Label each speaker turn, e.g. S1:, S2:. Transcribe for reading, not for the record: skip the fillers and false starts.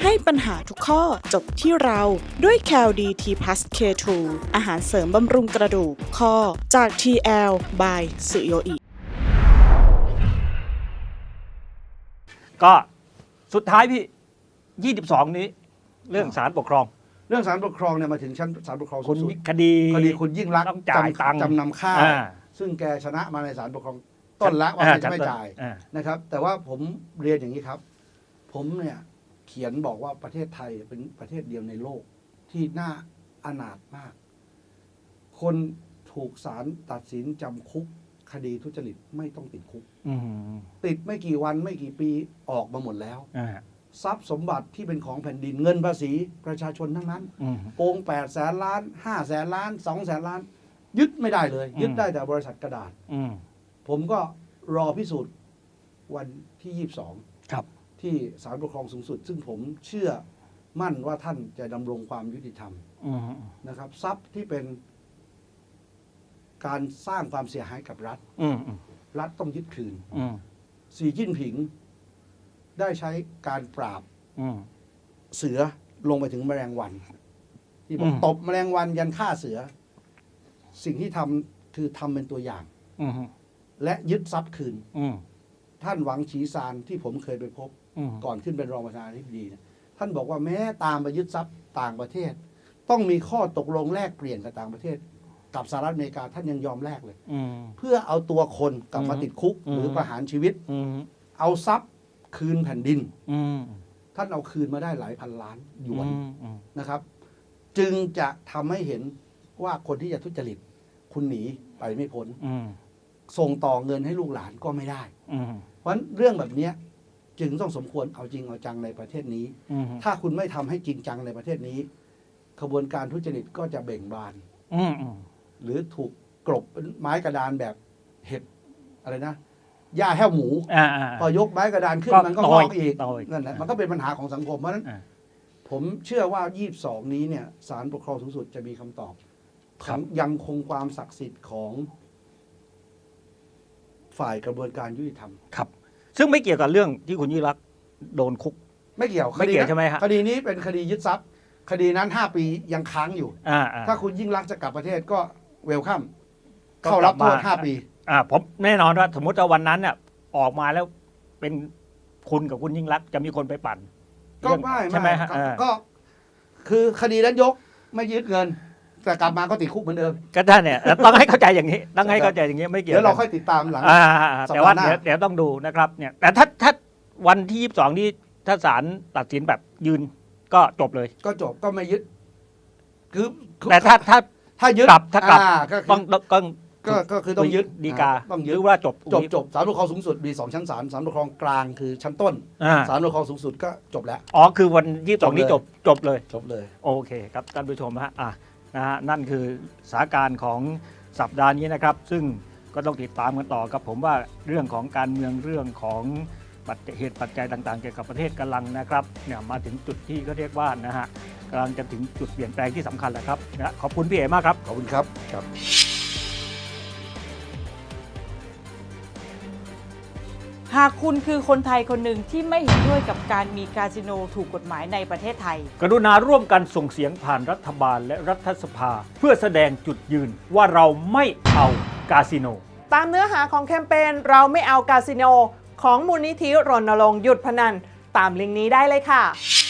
S1: ให้ปัญหาทุกข้อจบที่เราด้วย CalD-T Plus K2 อาหารเสริมบำรุงกระดูกข้อจาก TL by สุโยอิ
S2: ก็สุดท้ายพี่ 22 นี้เรื่องศาลปกครอง
S3: เรื่องศาลปกครองเนี่ยมาถึงชั้นศาลปกครองสู
S2: คุณ
S3: งสุด
S2: คดี
S3: คุณยิ่งรักษณ์
S2: ต้องจ่ายตังค์
S3: จำนำข้าวซึ่งแกชนะมาในศาลปกครองต้นละว่าจะไม่จ่ายนะครับแต่ว่าผมเรียนอย่างนี้ครับผมเนี่ยเขียนบอกว่าประเทศไทยเป็นประเทศเดียวในโลกที่น่าอนาถมากคนถูกศาลตัดสินจำคุกคดีทุจริตไม่ต้องติดคุกติดไม่กี่วันไม่กี่ปีออกมาหมดแล้วทรัพย์สมบัติที่เป็นของแผ่นดินเงินภาษีประชาชนทั้งนั้นโกง8 แสนล้าน5 แสนล้าน2 แสนล้านยึดไม่ได้เลยยึดได้แต่บริษัทกระดาษผมก็รอพิสูจน์วันที่22
S2: ครับ
S3: ที่ศาลปกครองสูงสุดซึ่งผมเชื่อมั่นว่าท่านจะดำรงความยุติธรรมนะครับทรัพย์ที่เป็นการสร้างความเสียหายกับรัฐรัฐต้องยึดคืนสีจิ้นผิงได้ใช้การปราบเสือลงไปถึงแมลงวันที่บอกตบแมลงวันยันฆ่าเสือสิ่งที่ทำคือทำเป็นตัวอย่างและยึดทรัพย์คืนท่านหวังฉีซานที่ผมเคยไปพบก่อนขึ้นเป็นรองประธานาธิบดีท่านบอกว่าแม้ตามไปยึดทรัพย์ต่างประเทศต้องมีข้อตกลงแลกเปลี่ยนกับต่างประเทศกับสหรัฐอเมริกาท่านยังยอมแลกเลยเพื่อเอาตัวคนกลับมาติดคุกหรือประหารชีวิตเอาทรัพย์คืนแผ่นดินท่านเอาคืนมาได้หลายพันล้านหยวนนะครับ จึงจะทำให้เห็นว่าคนที่จะทุจริตคุณหนีไปไม่พ้นส่งต่อเงินให้ลูกหลานก็ไม่ได้เพราะฉะนั้นเรื่องแบบนี้จึงต้องสมควรเอาจริงเอาจังในประเทศนี้ถ้าคุณไม่ทำให้จริงจังในประเทศนี้ขบวนการทุจริตก็จะเบ่งบานหรือถูกกลบเป็นไม้กระดานแบบเห็ดอะไรนะหญ้าแห้วหมูพอยกไม้กระดานขึ้นมันก็งอกอีกนั่นแหละมันก็เป็นปัญหาของสังคมเพราะฉะนั้นผมเชื่อว่า22นี้เนี่ยศาลปกครองสูงสุดจะมีคำตอบยังคงความศักดิ์สิทธิ์ของฝ่ายกระบวนการยุติธรรม
S2: ครับซึ่งไม่เกี่ยวกับเรื่องที่คุณยิ่งรักษณ์โดนคุก
S3: ไม่เกี่ยว
S2: ใช่ไหมครับ
S3: คดีนี้เป็นคดียึดทรัพย์คดีนั้น5 ปียังค้างอยู่ถ้าคุณยิ่งรักษณ์จะกลับประเทศก็เวลคัมเข้ารับโทษ5 ปี
S2: ผมแน่นอนว่าสมมติว่าวันนั้นเนี่ยออกมาแล้วเป็นคุณกับคุณยิ่งรักษณ์จะมีคนไปปั่น
S3: ก็ไม่
S2: ใช่ไหมฮะ
S3: ก็คือคดีนั้นยกไม่ยึดเงินแต่กลับมาก็ติดคุกเหมือนเดิม
S2: ก็ท่านเนี่ยต้องให้เข้าใจอย่างนี้ต้องให้เข้าใจอย่างนี้ไม่เกี่ยว
S3: เดี๋ยวเราค่อยติดตามหลัง
S2: แต่ว่าเดี๋ยวต้องดูนะครับเนี่ยแต่ถ้าวันที่22นี้ถ้าศาลตัดสินแบบยืนก็จบเลย
S3: ก็จบก็ไม่ยึดคือ
S2: แต่ถ้ายึดกลับ
S3: ก็คือต้อง
S2: ยึดฎีกา
S3: ต้อง
S2: ยึดว่าจบ
S3: ศาลปกครองสูงสุดมี2 ชั้นศาลปกครองกลางคือชั้นต้นศาลปกครองสูงสุดก็จบแล้ว
S2: คือวัน22นี้จบเลยโอเคครับท่านผู้ชมฮะนะฮะนั่นคือสถานการณ์ของสัปดาห์นี้นะครับซึ่งก็ต้องติดตามกันต่อครับผมว่าเรื่องของการเมืองเรื่องของเหตุปัจจัยต่างๆเกี่ยวกับประเทศกำลังนะครับเนี่ยมาถึงจุดที่เขาเรียกว่านะฮะกำลังจะถึงจุดเปลี่ยนแปลงที่สำคัญแล้วครับนะขอบคุณพี่เอ๋มากครับ
S3: ขอบคุณครับ
S1: หากคุณคือคนไทยคนหนึ่งที่ไม่เห็นด้วยกับการมีคาสิโนถูกกฎหมายในประเทศไทย
S2: กรุณาร่วมกันส่งเสียงผ่านรัฐบาลและรัฐสภาเพื่อแสดงจุดยืนว่าเราไม่เอาคาสิโน
S4: ตามเนื้อหาของแคมเปญเราไม่เอาคาสิโนของมูลนิธิรณรงค์หยุดพนันตามลิงก์นี้ได้เลยค่ะ